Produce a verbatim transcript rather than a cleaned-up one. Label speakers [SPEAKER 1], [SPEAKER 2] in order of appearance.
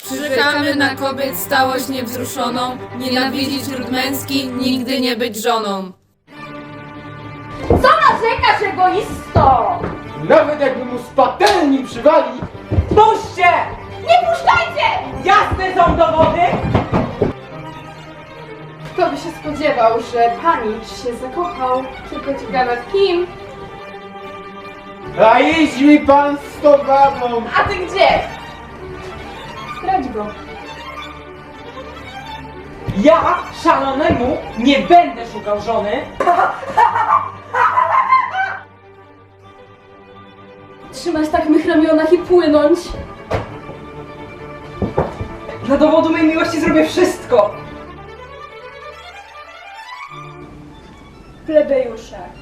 [SPEAKER 1] Przyrzekamy na kobiet stałość niewzruszoną, nienawidzić ród męski, nigdy nie być żoną.
[SPEAKER 2] Co narzekasz, egoisto?
[SPEAKER 3] Nawet jakby mu z patelni przywali.
[SPEAKER 4] Puśćcie!
[SPEAKER 2] Nie puszczajcie!
[SPEAKER 4] Jasne są dowody!
[SPEAKER 5] Kto by się spodziewał, że panicz się zakochał, tylko ciekawe w kim?
[SPEAKER 3] A idź mi pan z tą babą.
[SPEAKER 5] A ty gdzie? Zdradź go.
[SPEAKER 4] Ja szalonemu nie będę szukał żony.
[SPEAKER 5] Trzymać tak mych ramionach i płynąć.
[SPEAKER 4] Dla dowodu mojej miłości zrobię wszystko.
[SPEAKER 5] Plebejusze,